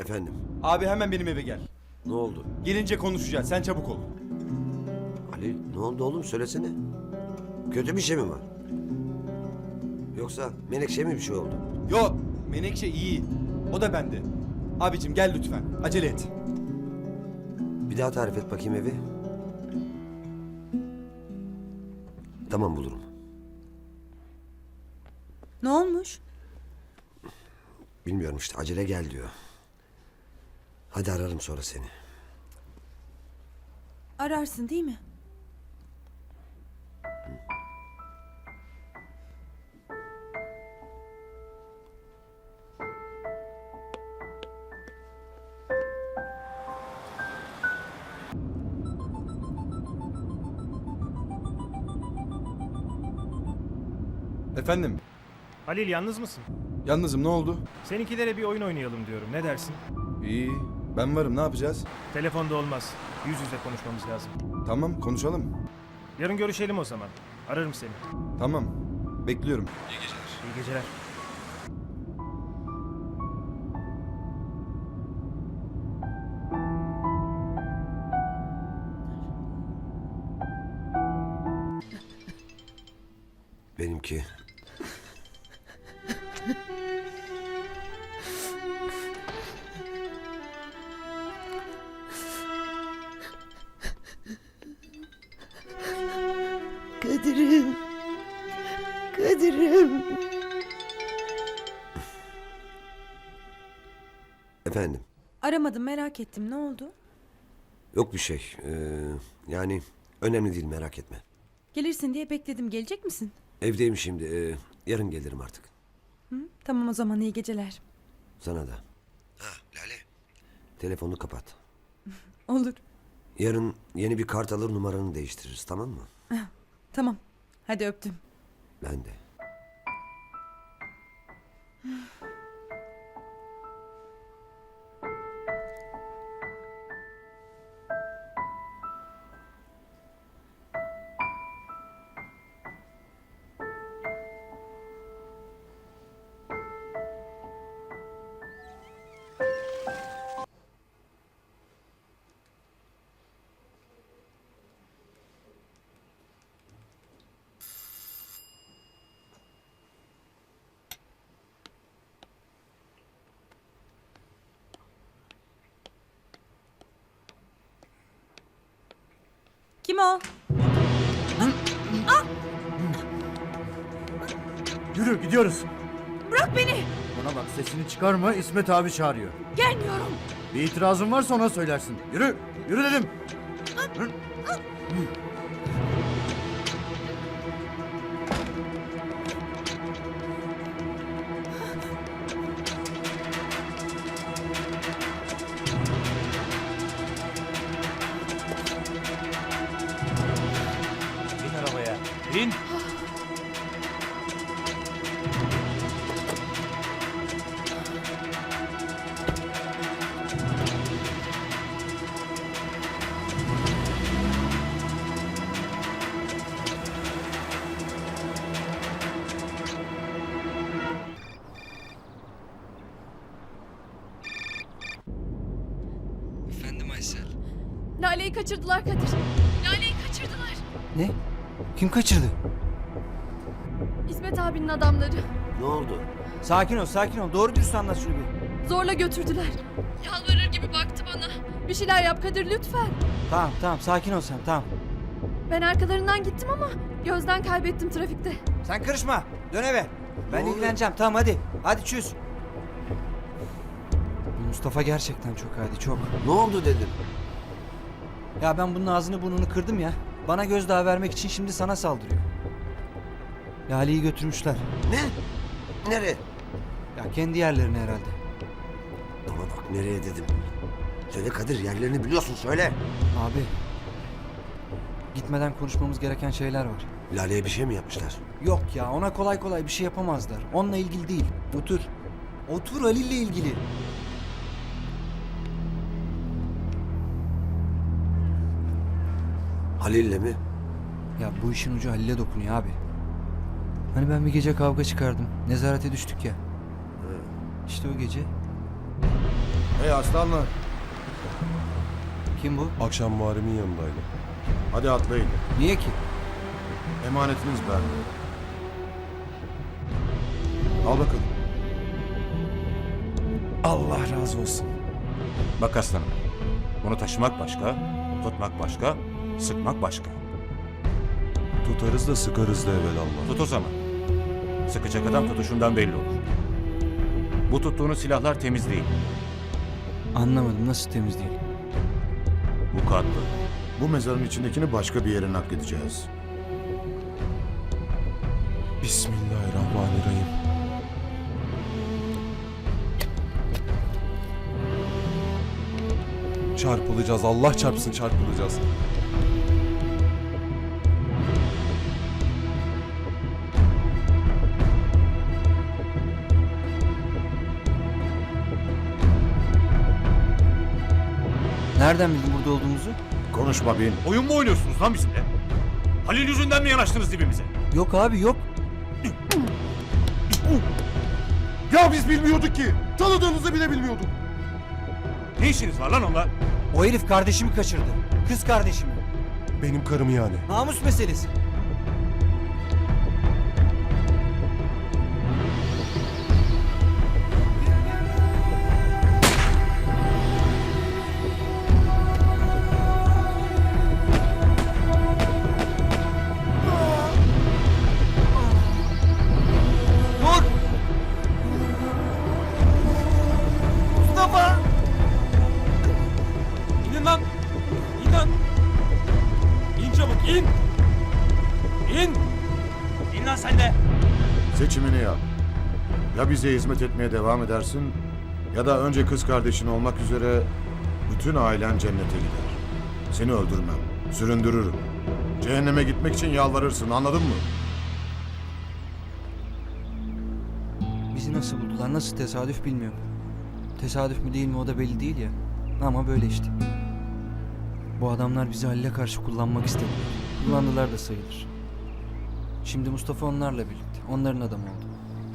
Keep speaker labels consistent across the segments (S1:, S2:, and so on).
S1: Efendim,
S2: Abi hemen benim eve gel.
S1: ne oldu?
S2: Gelince konuşacağız. Sen çabuk ol.
S1: Ali, ne oldu oğlum? Söylesene. Kötü bir şey mi var? Yoksa Menekşe mi bir şey oldu?
S2: Yok. Menekşe iyi. O da bende. Abicim gel lütfen. Acele et.
S1: Bir daha tarif et bakayım evi. Tamam, bulurum.
S3: Ne olmuş?
S1: Bilmiyorum işte, acele gel diyor. Hadi ararım sonra seni.
S3: Ararsın değil mi?
S2: Efendim.
S4: Halil yalnız mısın?
S2: Yalnızım, ne oldu?
S4: Seninkilere bir oyun oynayalım diyorum. Ne dersin?
S2: İyi. Ben varım, ne yapacağız?
S4: Telefonda olmaz. Yüz yüze konuşmamız lazım.
S2: Tamam, konuşalım.
S4: Yarın görüşelim o zaman. Ararım seni.
S2: Tamam. Bekliyorum.
S4: İyi geceler.
S1: Benimki.
S5: Kadir'im. Kadir'im.
S1: Efendim,
S3: Aramadım, merak ettim. Ne oldu?
S1: yok bir şey. Yani önemli değil, merak etme.
S3: Gelirsin diye bekledim. Gelecek misin?
S1: Evdeyim şimdi. Yarın gelirim artık.
S3: Hı? Tamam o zaman, iyi geceler.
S1: Sana da. Ha Lale. Telefonunu kapat.
S3: Olur.
S1: Yarın yeni bir kart alır, numaranı değiştiririz, tamam mı?
S3: Tamam. Hadi öptüm.
S1: Ben de.
S3: Kim o?
S6: Yürü gidiyoruz.
S3: Bırak beni.
S6: Bana bak, sesini çıkarma, İsmet abi çağırıyor.
S3: Gelmiyorum.
S6: Bir itirazın varsa ona söylersin. Yürü, yürü dedim.
S4: Bin arabaya. Bin.
S7: Efendim Aysel.
S8: Lale'yi kaçırdılar Kadir. Lale'yi kaçırdılar.
S7: Ne? Kim kaçırdı?
S8: İsmet abinin adamları.
S1: Ne oldu?
S7: Sakin ol, sakin ol. Doğru dürüst anlat şunu bir.
S8: Zorla götürdüler. Yalvarır gibi baktı bana. Bir şeyler yap Kadir lütfen.
S7: Tamam, tamam. Sakin ol sen, tamam.
S8: Ben arkalarından gittim ama gözden kaybettim trafikte.
S7: Sen karışma. Dön eve. Ben
S1: Ne oluyor?
S7: ilgileneceğim. Tamam hadi. Hadi çöz. Bu Mustafa gerçekten çok hadi, çok.
S1: Ne oldu dedim.
S7: Ya ben bunun ağzını burnunu kırdım ya. Bana gözdağı vermek için şimdi sana saldırıyor. Lale'yi götürmüşler.
S1: Ne? Nereye?
S7: Ya kendi yerlerine herhalde.
S1: Bana bak, nereye dedim. Söyle Kadir, yerlerini biliyorsun, söyle.
S7: Abi. Gitmeden konuşmamız gereken şeyler var.
S1: Lale'ye bir şey mi yapmışlar?
S7: Yok ya, ona kolay kolay bir şey yapamazlar. Onunla ilgili değil. Otur. Otur, Halil'le ilgili.
S1: Halil'le mi?
S7: Ya bu işin ucu Halil'e dokunuyor abi. Hani ben bir gece kavga çıkardım. Nezarete düştük ya. İşte o gece.
S9: Hey aslanlar.
S7: Kim bu?
S10: Akşam Muharrem'in yanındaydı.
S9: Hadi atlayın.
S7: Niye ki?
S9: Emanetiniz bende. Al bakalım.
S10: Allah razı olsun.
S11: Bak aslanım. Bunu taşımak başka, tutmak başka, sıkmak başka.
S10: Tutarız da sıkarız da evvelallah.
S11: Tut o zaman. Sıkacak adam tutuşundan belli olur. Bu tuttuğunuz silahlar temiz değil.
S7: Anlamadım, nasıl temiz değil?
S11: Mukatlı.
S9: Bu mezarın içindekini başka bir yere nakledeceğiz.
S10: Bismillahirrahmanirrahim. Çarpılacağız. Allah çarpsın çarpılacağız.
S7: Nereden bildin burada olduğumuzu?
S9: Konuşma bin.
S11: Oyun mu oynuyorsunuz lan bizimle? Halil yüzünden mi yanaştınız dibimize?
S7: Yok abi, yok.
S10: Ya biz bilmiyorduk ki. Tanıdığınızı bile bilmiyorduk.
S11: Ne işiniz var lan onunla?
S7: O herif kardeşimi kaçırdı. Kız kardeşimi.
S10: Benim karım yani.
S7: Namus meselesi. Dur! Mustafa!
S2: İnin lan. İn lan. İn çabuk in. İn. İn lan sen de.
S9: Seçimini yap. Ya bize hizmet etmeye devam edersin ya da önce kız kardeşin olmak üzere bütün ailen cennete gider. Seni öldürmem, süründürürüm. Cehenneme gitmek için yalvarırsın, anladın mı?
S7: Bizi nasıl buldular, nasıl tesadüf bilmiyorum. Tesadüf mü değil mi o da belli değil ya. Ama böyle işte. Bu adamlar bizi Halil'e karşı kullanmak istediler. Kullandılar da sayılır. Şimdi Mustafa onlarla birlikte. Onların adamı oldu.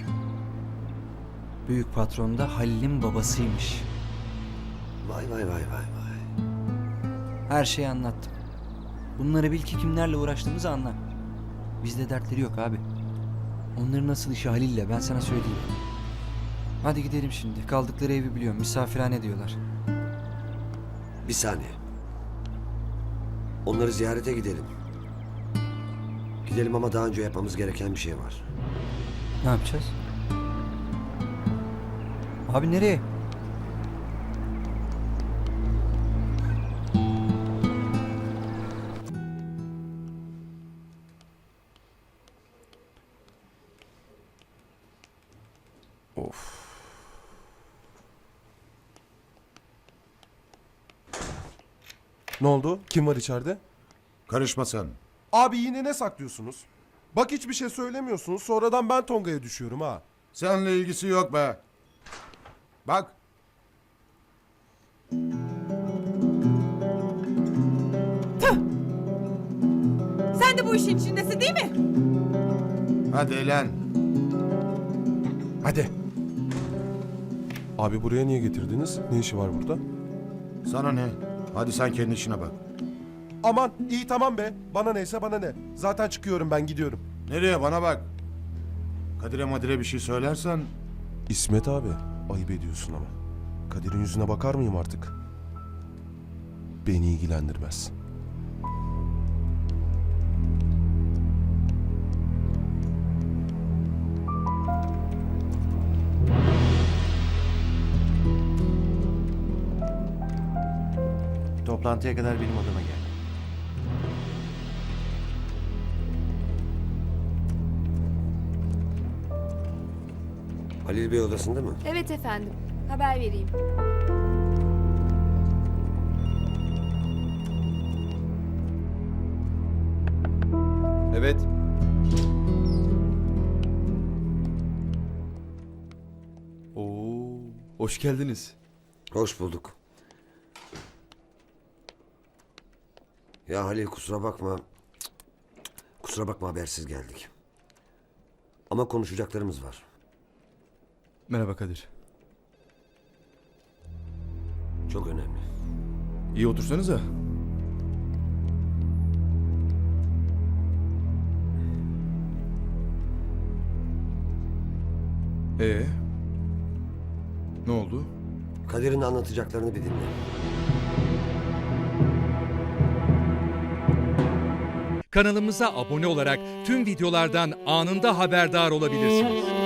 S7: Büyük patron da Halil'in babasıymış.
S1: Vay vay vay vay vay.
S7: Her şeyi anlattım. Bunları bil ki kimlerle uğraştığımızı anla. Bizde dertleri yok abi. Onların nasıl işi Halil'le, ben sana söyleyeyim. Hadi gidelim şimdi. Kaldıkları evi biliyorum. Misafirhane diyorlar.
S1: Bir saniye. Onları ziyarete gidelim. Gidelim ama daha önce yapmamız gereken bir şey var.
S7: Ne yapacağız? Abi nereye?
S10: Ne oldu? Kim var içeride?
S9: Karışma sen.
S10: Abi yine ne saklıyorsunuz? Bak hiçbir şey söylemiyorsunuz. Sonradan ben Tonga'ya düşüyorum ha.
S9: Seninle ilgisi yok be. Bak.
S3: Sen de bu işin içindesin değil mi?
S9: Hadi eğlen.
S10: Hadi. Abi buraya niye getirdiniz? Ne işi var burada?
S9: Sana ne? Hadi sen kendi işine bak.
S10: Aman iyi tamam be. Bana neyse bana ne. Zaten çıkıyorum ben gidiyorum.
S9: Nereye? Bana bak. Kadir'e Madir'e bir şey söylersen...
S10: İsmet abi ayıp ediyorsun ama. Kadir'in yüzüne bakar mıyım artık? Beni ilgilendirmez.
S6: Toplantıya kadar benim odama gel.
S1: Halil Bey odasında mı?
S8: Evet efendim. Haber vereyim.
S2: Evet. Oo, hoş geldiniz.
S1: Hoş bulduk. Ya Halil kusura bakma. Kusura bakma habersiz geldik. Ama konuşacaklarımız var.
S2: Merhaba Kadir.
S1: çok önemli.
S12: İyi otursanıza. Ne oldu?
S1: Kadir'in anlatacaklarını bir dinle.
S13: Kanalımıza abone olarak tüm videolardan anında haberdar olabilirsiniz.